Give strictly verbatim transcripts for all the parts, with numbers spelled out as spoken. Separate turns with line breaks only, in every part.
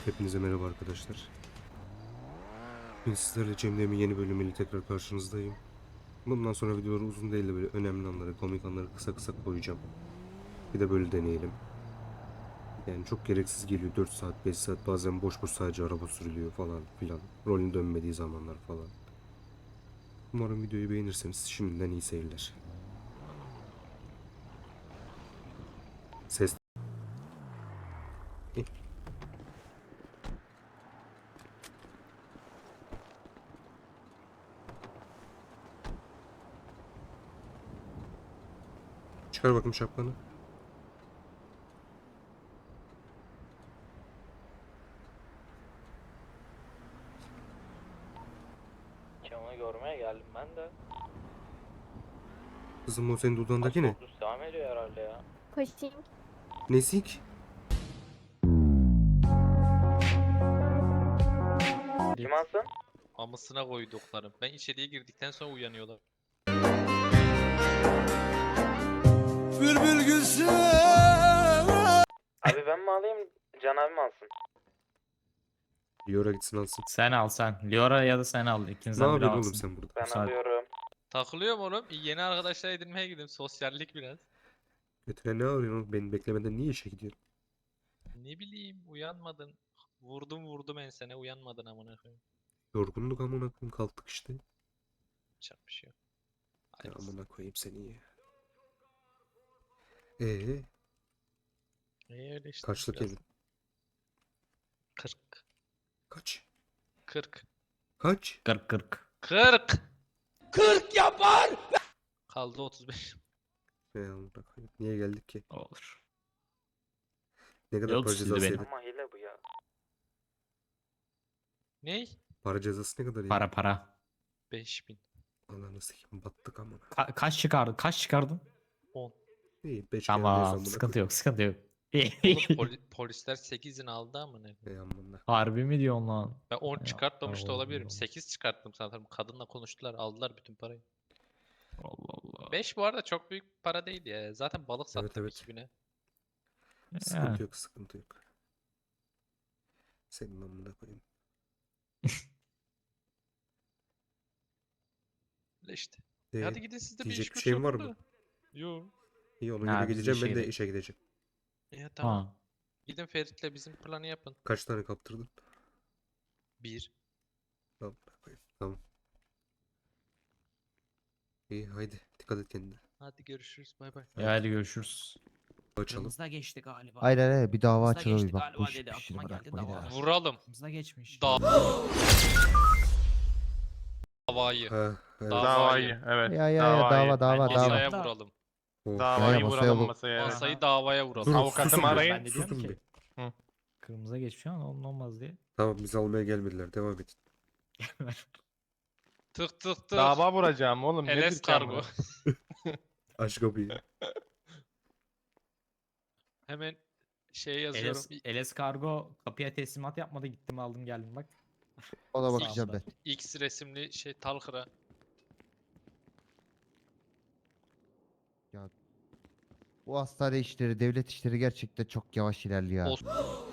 Hepinize merhaba arkadaşlar. Bugün sizlerle Cem'lemin yeni bölümüyle tekrar karşınızdayım. Bundan sonra videoları uzun değil de böyle önemli anları, komik anları kısa kısa koyacağım. Bir de böyle deneyelim. Yani çok gereksiz geliyor. dört saat, beş saat, bazen boş boş sadece araba sürülüyor falan filan. Rolün dönmediği zamanlar falan. Umarım videoyu beğenirseniz şimdiden iyi seyirler. Ses... Eh, Çıkar bakayım şapkanı.
Kemal'i görmeye geldim ben de.
Kızım o senin dudağındaki ne?
Otobüs devam ediyor herhalde ya.
Pushing.
Nesik?
Kim alsın?
Amasına koyduklarım. Ben içeriye girdikten sonra uyanıyorlar.
Bülbül gülsün.
Abi ben mi alayım? Can abi mi alsın?
Liora gitsin alsın.
Sen al sen. Liora ya da sen al.
Ne
İkinizden biri
yapıyorsun oğlum
alsın.
sen burada?
Ben
Müsaade.
alıyorum.
Takılıyorum oğlum. Yeni arkadaşlar edinmeye gidiyorum. Sosyallik biraz.
Götüne ne arıyorsun oğlum? Beni beklemeden niye işe gidiyorsun?
Ne bileyim uyanmadın. Vurdum vurdum ensene uyanmadın amına koyayım.
Yorgunluk amına koyayım, kalktık işte.
Çarp bir şey yok.
Ya
Hayırlısı.
amına koyayım seni ya. Ee,
İyi öyle işte.
kaçlık
biraz.
evin?
kırk.
Kaç?
kırk.
Kaç?
Kırk kırk.
kırk.
Kırk yapar.
Kaldı otuz beş.
Ya amına koyayım. Niye geldik ki?
Olur.
Ne kadar
Yok,
para
sildi
cezası
beni.
yedik?
Ama hile bu ya.
Ney?
Para cezası ne kadar yedik?
Para para.
beş bin.
Ananı sikeyim, battık amına.
Ka- kaç çıkardın? Kaç çıkardın?
on.
İyi beş
Tamam. Sıkıntı yok. Sıkıntı yok.
Oğlum poli- polisler sekiz izin aldı amına koyayım.
Ey amına.
Harbi mi diyorsun lan?
Ben on
Ya,
çıkartmamış da
Allah
olabilirim.
Allah.
sekiz çıkarttım sanırım. Kadınla konuştular. Aldılar bütün parayı.
Allah Allah.
beş bu arada çok büyük para değil ya. Zaten balık
Evet,
sattım
evet.
iki bine.
Sıkıntı
Ya.
yok, sıkıntı yok. Senin amına koyayım.
Öyle işte.
Ee,
Hadi gidin siz de bir
diyecek
iş
bir
güç
şeyin var
yapın
mı?
da. Yo.
İyi ona
Ha,
göre
biz de
gideceğim, ben
işe
de
gidelim.
işe gideceğim.
Ya tamam.
Ha.
Gidin Ferit'le bizim planı yapın.
Kaç tane kaptırdın?
Bir.
Amına koyayım. Tamam. İyi haydi dikkat et kendine.
Hadi görüşürüz. Bay bay.
Ya hadi görüşürüz.
Açalım.
Kırmızıda geçti galiba.
Hayır hayır bir dava
Kırmızıda
açılıyor
geçti
bir bak bu
galiba
iş
dedi.
bir şey
Aklıma geldi
bırakmayın
dava.
ha.
Vuralım.
Kırmızıda geçmiş.
Da- Davayı.
Ha, evet.
Davayı.
Evet.
Ya ya ya
davayı.
dava dava
Bence
dava.
Masaya
Da-
vuralım.
Oh.
Davayı
Ya, ya, masaya
vuralım
vur-
masaya. evet.
Masayı davaya vuralım.
Durun,
Avukatımı
susun bir.
arayın.
Ben de diyorum
Susun
ki.
bir.
Kırmızıda geçmiş ama onun olmaz diye.
Tamam bizi almaya gelmediler. Devam edin.
Tık tık tık.
Dava vuracağım oğlum.
Eles
Nedir
kargo.
Aç kapıyı.
Hemen şey yazıyorum.
Eles, Eles Kargo kapıya teslimat yapmadı. Gittim aldım geldim bak.
Ona
Sağ
bakacağım
ol.
ben.
X resimli şey Talhır'a.
Bu hastane işleri, devlet işleri gerçekten çok yavaş ilerliyor. ha.
Olsun.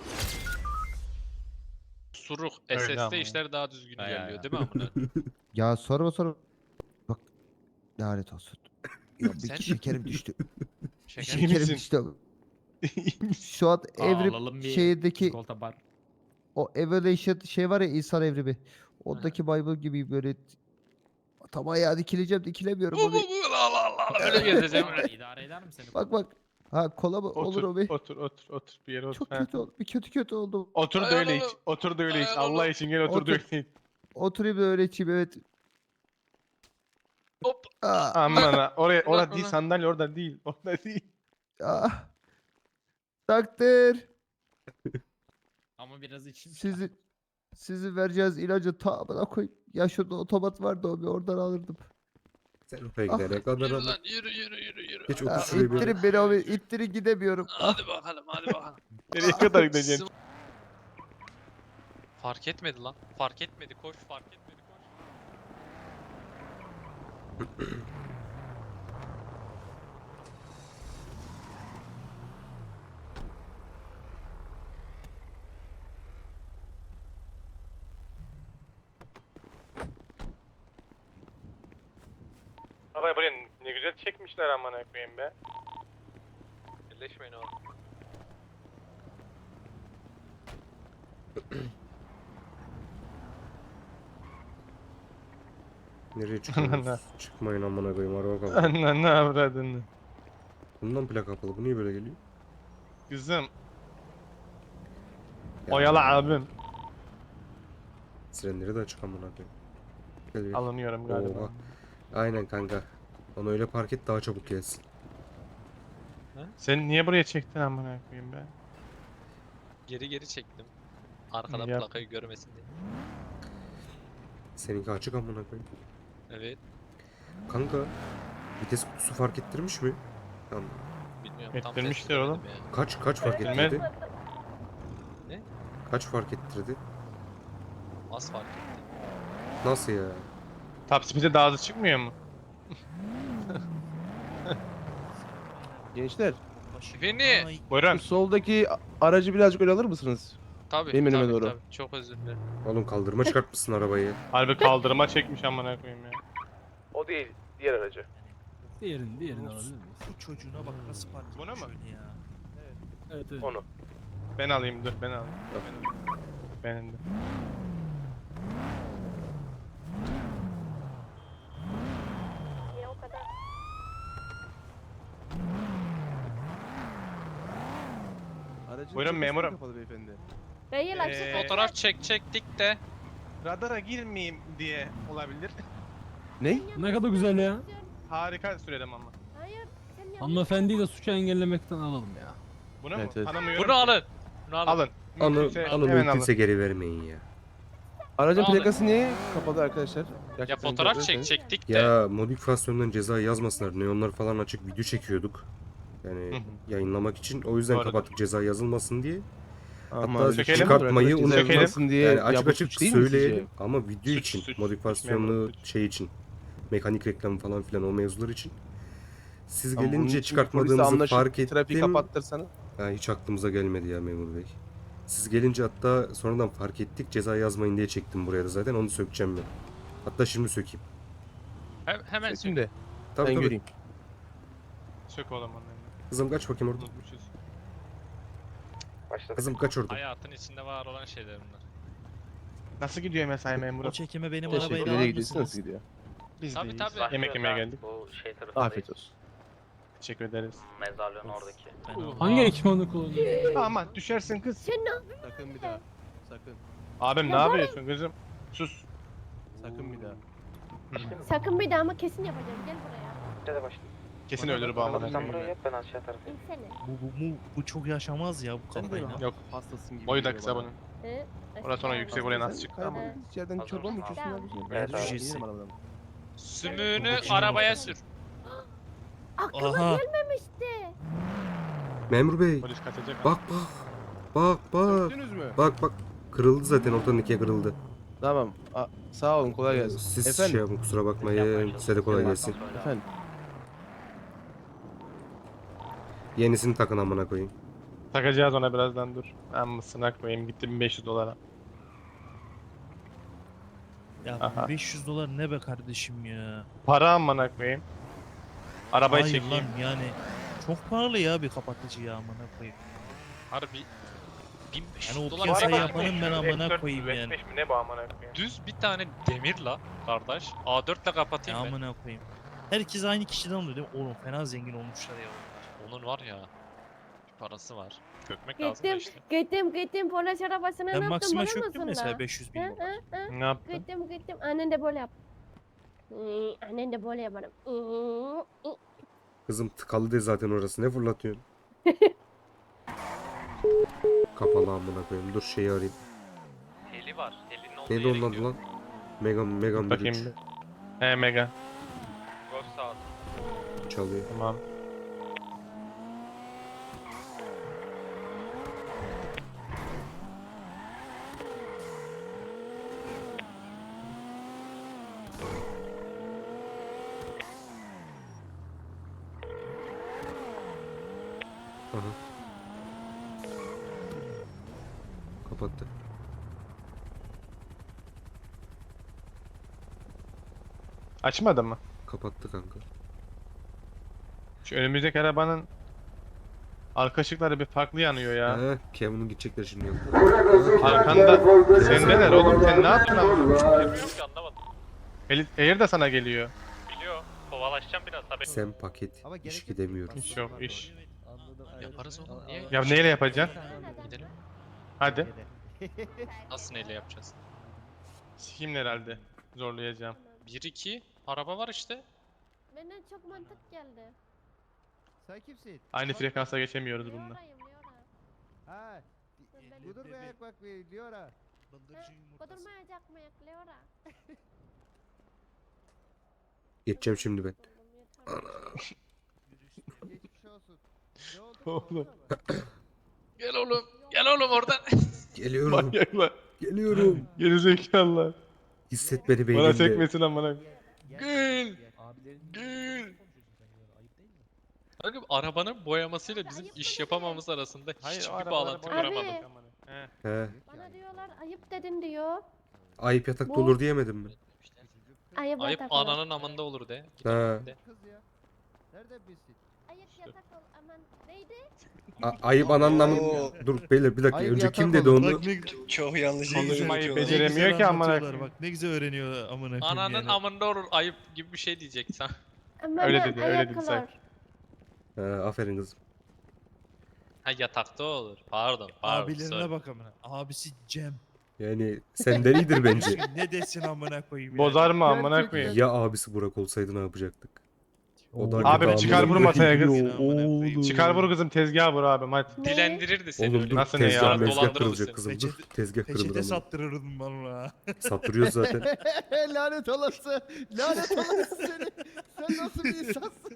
Suruk.
Öyle ama
S S'te
ya.
işler daha düzgün
Ya, ya,
ilerliyor
ya.
değil mi amına?
Ya sorma sorma. Bak lanet olsun. Ya bir
Sen-
şekerim düştü.
Şeker.
İyi
Şekerim
misin?
düştü. Şu an
Alalım
evrim
bir
şehirdeki
çikolata bar.
o evolution şey var ya insan evrimi. Ondaki maymun gibi böyle tam ayağa dikileceğim dikilemiyorum
Bu
abi.
bu bu la la la. Öyle gezeceğim
Tamam,
öyle.
İdare eder mi seni?
Bak bak. Ha kola mı? Olur
Otur,
abi.
otur, otur, otur. Bir yere otur.
Çok
ha.
kötü oldu. Bir kötü kötü oldu.
Otur da öyle iç.
Dayanalım.
Otur da öyle iç.
Dayanalım.
Allah için gel otur da
Otur.
öyle iç.
Oturayım da öyle içeyim evet.
Hop.
Aa,
Aman ha. Oraya,
Ulan,
orada değil
ulan.
sandalye orada değil. Orada değil.
ah. Takdir.
Ama biraz içeyim.
Sizi sizi vereceğiz ilacı ta bana koy. Ya şurada otomat vardı o bir oradan alırdım.
Sen oraya
Ah.
gidene kadar
Yürü
ama.
lan yürü yürü yürü yürü.
Geç
Hadi.
otur
Ah,
şuraya bir.
ittirin beni abi ittirin gidemiyorum. Ah.
Hadi bakalım hadi bakalım.
Nereye kadar gideceksin?
Fark etmedi lan. Fark etmedi koş fark etmedi koş.
Arabayı buraya ne güzel çekmişler amına koyayım be.
Birleşmeyin oğlum.
Nereye çıkıyorsunuz? Çıkmayın amına koyayım araba kaldı.
Anla ne avradını.
Bundan plak kapalı. Bu niye böyle geliyor?
Kızım.
Ya,
Oyala abim.
Sirenleri de açık amına koyayım. Gel gel.
Alınıyorum galiba.
Oha. Aynen kanka. Onu öyle park et daha çabuk gelsin.
Sen niye buraya çektin amına koyayım be?
Geri geri çektim. Arkadan
Yap.
plakayı görmesin diye.
Seninki açık amına koyayım.
Evet.
Kanka vites kutusu fark ettirmiş mi? Tamam.
Bilmiyorum. tam
Ettirmiştir
test
oğlum.
edemedim ya.
Kaç kaç fark
Bilmem.
ettirdi?
Ne?
Kaç fark ettirdi?
Az fark etti.
Nasıl ya?
Top speed'e daha hızlı çıkmıyor mu?
Gençler,
Beni.
Buyurun.
şu soldaki a- aracı birazcık öyle alır mısınız?
Tabii
Benim önüme
tabii,
doğru.
tabii. Çok özür dilerim.
Oğlum kaldırma çıkartmışsın arabayı.
Harbi kaldırıma çekmiş amına koyayım ya.
O değil, diğer aracı.
Diğerini, diğerini alabilir miyiz?
Bu çocuğuna bak nasıl park
Bunu mu?
ya.
Evet, evet.
Onu.
Ben alayım dur ben alayım. Benim de.
Aracın
Buyurun
çekmesi
memurum.
kapalı beyefendi.
Değil
Ee,
açık.
Fotoğraf çek çektik de.
Radara girmeyeyim diye olabilir.
Ne?
Ne kadar güzel ya.
Harika söyledim ama.
Hayır. Sen yanlış.
Hanımefendiyi de suçu engellemekten alalım ya.
Bunu
Evet,
mu?
evet.
Tanımıyorum.
Bunu alın. Bunu alın.
Alın.
Onu,
Mümkünse
onu
hemen
mümkünse geri vermeyin ya.
Aracın
Tamam.
plakası niye kapalı arkadaşlar?
Ya
Gerçekten
fotoğraf
cevap
çek
verirseniz.
çektik de.
Ya modifikasyondan ceza yazmasınlar. Neonlar falan açık video çekiyorduk.
Hı
Yani
hı.
yayınlamak için. O yüzden
Doğrudur.
kapattık ceza yazılmasın diye.
Ama
Hatta
öyle
sökelim.
çıkartmayı
arkadaşlar,
unutmayın.
Sökelim.
diye
Yani
ya
açık
bu
açık
suç değil mi sizce?
söyleyelim ama video
Suç,
için,
suç,
modifikasyonlu
memur, suç.
şey için, mekanik reklamı falan filan o mevzular için. Siz
Ama bunun
gelince
için polisle
çıkartmadığımızı
anlaşıp
fark
Trafiği
ettim.
kapattırsanız.
Ya hiç aklımıza gelmedi ya memur bey. Siz gelince hatta sonradan fark ettik ceza yazmayın diye çektim buraya da zaten onu sökeceğim ben. Hatta şimdi sökeyim.
He- hemen söyle.
Şimdi
Tabii
ben
tabii.
göreyim.
Sök oğlum onu.
Kızım kaç bakayım orada.
Unutmuşuz.
Başladık.
Kızım kaç orada.
Hayatın içinde var olan şeyler bunlar.
Nasıl gidiyor mesai memuru?
O çekime benim
Teşekkür
arabayı da
ederim.
alır
Nereye gidiyorsun?
mısınız?
Nasıl gidiyor?
Biz
Tabii,
deyiz.
tabii.
Yemek yemeye geldik.
Bu şey tarafındayız.
Afiyet olsun.
Teşekkür ederiz.
Mezarlığın oradaki.
Ben aldım.
Hangi ekipmanı kullanıyorsun?
Aman düşersin kız.
Sen ne yapıyorsun?
Sakın bir daha. Sakın.
Abim ne yapıyorsun kızım? Sus.
Sakın bir daha.
Sakın bir daha ama kesin yapacağım. Gel buraya.
Hadi başla.
Kesin ölür bu amına
Sen buraya
koyayım.
yap ben aşağı tarafayım.
İnsene.
Bu, bu, bu, bu çok yaşamaz ya bu
Sen de
kafayla.
mi?
Yok.
Hastasın gibi.
Boyu da
geliyor
kısa
bana.
bunun.
Hı?
Orası sonra
Aşağı.
yüksek, oraya nasıl
Sen
çıktı?
kaybolduğun
Evet.
içeriden
Hazır
çorba mı
mısın?
içiyorsun
Tamam.
abi?
Evet,
Ben
abi.
yerim arabadan.
Sümüğünü
Bu
arabaya
şimdi-
sür.
Aklıma
Aha.
gelmemişti.
Memur bey
Polis kaçacak.
bak bak. Bak bak.
Söktünüz mü?
Bak bak. Kırıldı zaten ortadan ikiye kırıldı.
Tamam. A- sağ olun kolay gelsin.
Siz
Efendim?
şey yapın kusura bakmayın. Size de kolay gelsin.
Efendim.
Yenisini takın amına koyayım.
Takacağız ona birazdan dur. Amısına koyayım gitti bin beş yüz dolara.
Ya
Aha.
beş yüz dolar ne be kardeşim ya.
Para amına koyayım. Arabayı
Hayır
çekeyim.
lan yani. Çok pahalı ya bir kapatıcı ya amına koyayım.
Harbi bin beş yüz
Yani o
dolar
piyasa
para
yapanın
vermiş.
ben amına
F dört,
koyayım
F
yani.
beş mi ne bu amına koyayım?
Düz bir tane demir la kardeş. A dört ile
Ya
kapatayım ben.
amına koyayım. Herkes aynı kişiden alıyor değil mi? Oğlum fena zengin olmuşlar ya.
Onun var ya. Bir parası var. Kökmek lazım da
Gittim,
işte.
gittim, gittim. Polis arabasına ne
Ben
yaptım
Maxima
biliyor
çöktüm
musun
mesela
la?
beş yüz bin
Hı,
dolar.
hı, hı.
Ne yaptın?
Gittim, gittim. Annen de böyle yap. Hı, Annen de böyle yaparım. Hı, hı.
Kızım tıkalı de zaten orası ne fırlatıyorsun? Kapalı amına koyayım. Dur şeyi arayayım.
Heli var. Helinin olduğu
Neydi
yere
onun adı
gidiyor.
lan? Megan Megan bir
Bakayım bir. He mega.
Golf saat.
çalıyor.
Tamam.
Aha. Kapattı.
Açmadı mı?
kapattı kanka.
Şu önümüzdeki arabanın arka ışıkları bir farklı yanıyor ya.
He, Kevin'in gidecekler şimdi yanına.
Arkanda sendeler oğlum, sen ne yaptın ama?
Yok ki anlamadım.
Elit Air de sana geliyor.
Biliyor. Kovalaşacağım biraz haberin.
Sen paket.
Ama
İş
gerek yok.
gidemiyorum.
İş yok iş.
Anladım.
Yaparız oğlum, niye?
Ya neyle yapacaksın?
Gidelim.
Hadi.
Nasıl neyle yapacağız?
Sikimle herhalde. Zorlayacağım.
bir iki araba var işte.
Bana çok mantık geldi.
Sen kimsin?
Aynı frekansa geçemiyoruz bununla.
Leora'yım Leora.
Ha.
Ben-
Budur be ayak bak be Diora.
Bıldırcın yumurtası.
Kudurmayacak mıyız Leora?
Geçeceğim şimdi ben.
Geçmiş olsun. Ne oldu?
Oğlum.
Gel oğlum. Gel oğlum oradan.
Geliyorum.
Manyaklar.
Geliyorum.
Gerizekalılar.
Hisset beni
Bana
beynimde.
sekmesin amına.
Gül. Gül. Kanka arabanın boyamasıyla bizim
ayıp
iş
mı
yapamamamız arasında
Hayır, o
hiçbir
arabaları
bağlantı
boyamak
kuramadım.
Abi.
amına. He.
He.
Bana diyorlar ayıp dedin diyor.
Ayıp yatakta
Bu-
olur diyemedim mi?
Ayıp,
Ayıp
yatak ol.
ananın amında olur de. Git
He.
amına de.
Kız ya. Nereden bilsin?
Ayıp yatak ol aman. Neydi?
A- ayıp ananın amın... Dur beyler bir dakika.
Ayıp
Önce
yatak
kim dedi
olur.
onu?
Bak ne,
Çok yanlış
Konuşmayı
ne
beceremiyor
güzel
ki amına
anlatıyorlar,
koyayım.
Bak ne güzel öğreniyor amına koyayım
Ananın
yani.
amında olur ayıp gibi bir şey diyecek sen.
Aman
Öyle dedi, öyle
ayıp
dedi
olur.
sanki.
He, aferin kızım.
Ha yatakta olur. Pardon. Pardon.
Abilerine
sorry.
bak amına. Abisi Cem.
Yani senden iyidir bence.
ne desin amına koyayım
Bozar mı amına
Gerçekten.
koyayım?
Ya abisi Burak olsaydı ne yapacaktık? O da
Abi bir çıkar vur masaya kız.
Oğlum.
Çıkar vur kızım, tezgaha vur abi hadi.
Ne?
Dilendirirdi seni
Oğlum
öyle.
dur
Nasıl ne ya?
tezgah mezgah
Dolandırır
kırılacak
mısın?
kızım dur.
Peçete-
Tezgah kırılır
Peçete
ama.
sattırırdım valla.
Sattırıyoruz zaten.
Lanet olası. Lanet olası seni. Sen nasıl bir insansın?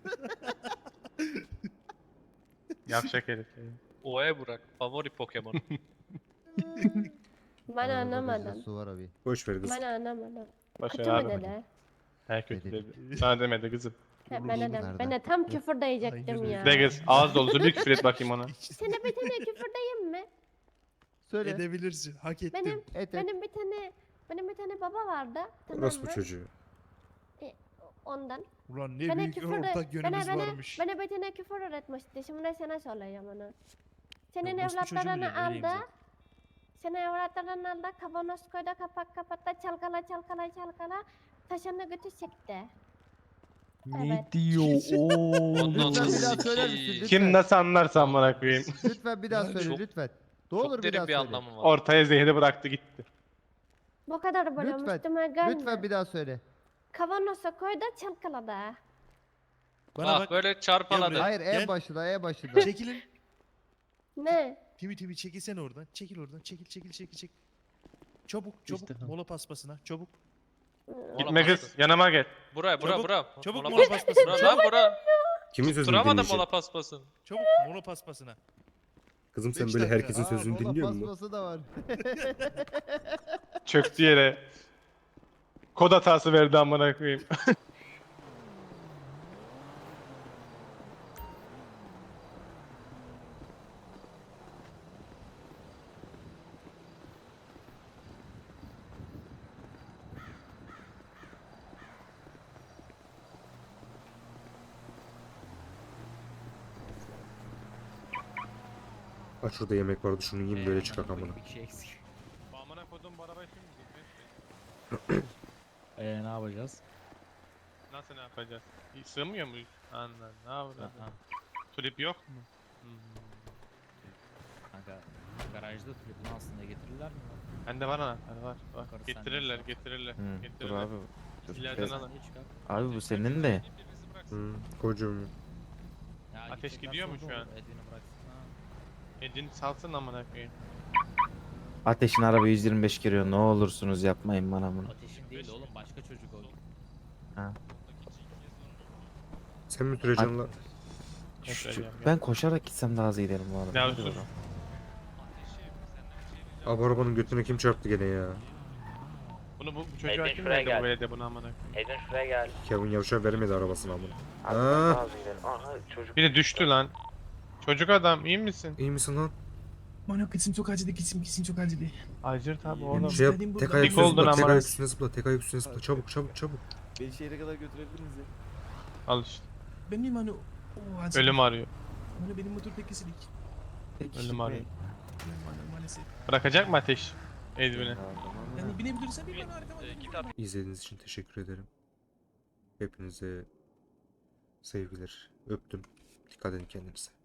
Yavşak herif.
Oya Burak. Favori Pokemon.
Ben anlamadım.
Su var abi.
Boş ver kız.
Ben anlamadım.
Başa
Kötü mü
abi.
dedi?
He kötü
Dedi.
dedi. Sana demedi kızım.
Ha, Ben de,
Nerede?
ben de tam küfür diyecektim
Hayır.
ya.
De kız ağız dolusu bir küfür et bakayım ona.
Sana bir tane küfür diyeyim mi?
Söyle.
Edebilirsin. Hak ettin.
Benim
Et et.
benim bir tane benim bir tane baba vardı. Tamam
Orası bu
mı?
çocuğu.
Ondan.
Ulan ne
Bana
büyük
küfür de,
ortak
bana,
yönümüz
bana,
varmış.
bana bir tane küfür öğretmişti. Şimdi sana söyleyeyim onu. Senin
orospu çocuğu mu
evlatlarını
diyor, öyleyim
aldı.
zaten.
Senin evlatlarını aldı. Kavanoz koydu kapak kapattı. Çalkala çalkala çalkala. Taşını götü çekti. Evet.
diyor
Ondan
Lütfen bir daha
sonra
söyler misin?
sikiyim.
Lütfen.
Kim nasıl anlarsa amına koyayım.
Lütfen bir daha
Yani
söyle
çok-
lütfen. Ne olur
Çok
bir daha
derin bir
söyle.
anlamı var.
Ortaya zehri bıraktı gitti.
Bu kadar böyle
Lütfen,
üstüme gelme.
Lütfen bir daha söyle.
Kavanoza koydu çalkaladı.
Bana
Bak
bak.
böyle çarpaladı.
Hayır en
Gel.
başında en başında.
Çekilin.
Ne?
Timi timi çekilsene oradan. Çekil oradan. Çekil çekil çekil çekil. Çabuk çabuk.
İşte tamam.
Mola paspasına. Çabuk.
Gitme kız yanıma gel.
Buraya bura
Çabuk,
bura.
çabuk
Mola
mola
pas-
paspasına.
Bura lan bura.
Kimin sözünü
Duramadım
dinleyeceksin?
mola paspasın.
Çabuk mola paspasına.
Kızım sen
Beş
böyle
dakika.
herkesin
Aa,
sözünü
mola
dinliyor musun?
paspası da var.
Çöktü yere. Kod hatası verdi amına koyayım.
Aç şurada yemek vardı şunu yiyeyim böyle çıkak amına.
Bir şey eksik.
Amına kodum bu arabayı şimdi
Eee ne yapacağız?
nasıl ne yapacağız? Hiç sığmıyor muyuz? Anladım. Ne yapacağız?
Aha.
Tulip yok mu? Hmm.
Kanka garajda tulipini aslında getirirler mi?
Bende var anahtar var. var.
Bakarız sen
Getirirler
de.
getirirler.
Hı, dur
getirirler.
abi. Dur.
İleriden
Biraz-
alın.
Niye çıkar?
Abi bu senin de.
Hı, kocuğum.
Ya
Ateş
gidecekler
gidiyor mu
sonra
şu
olur,
an?
Edwin'i bıraksın ha.
Edin salsın amına koyayım.
Ateşin araba yüz yirmi beş giriyor. Ne olursunuz yapmayın bana bunu.
Ateşin değil oğlum başka çocuk o.
Sen mi süreceksin lan?
Ne
Şu-
söyleyeceğim ya?
ben koşarak gitsem daha hızlı giderim bu arada.
Ya
Hadi
sus.
bakalım.
Abi arabanın götüne kim çarptı gene ya?
Bunu bu, bu çocuğa
Edin
kim
şuraya
verdi
gel.
bu belediye bunu amına koyayım?
Edin şuraya gel.
Kevin Yavşar vermedi arabasını amına.
Abi
Aa.
daha hızlı gidelim. Aha çocuk.
Biri düştü lan. Çocuk adam iyi misin?
İyi misin lan?
Bana kızım çok acıdı kızım kızım çok acıdı.
Acır tabi oğlum.
Şey yap,
Geldim
tek
buradan.
ayak
Dik
üstüne
oldun
zıpla, tek
ama.
ayak üstüne zıpla, tek ayak üstüne zıpla. Çabuk çabuk çabuk.
Beni şehre kadar götürebilir misin?
Al işte.
Benim hani o hani
Ölüm arıyor.
Hani benim motor tekisilik.
Ölüm arıyor.
Yani maalesef.
Bırakacak mı Ateş? Edwin'i.
Yani binebilirsen bir
Ümit,
bana arkama.
e, git artık.
İzlediğiniz için teşekkür ederim. Hepinize sevgiler. Öptüm. Dikkat edin kendinize.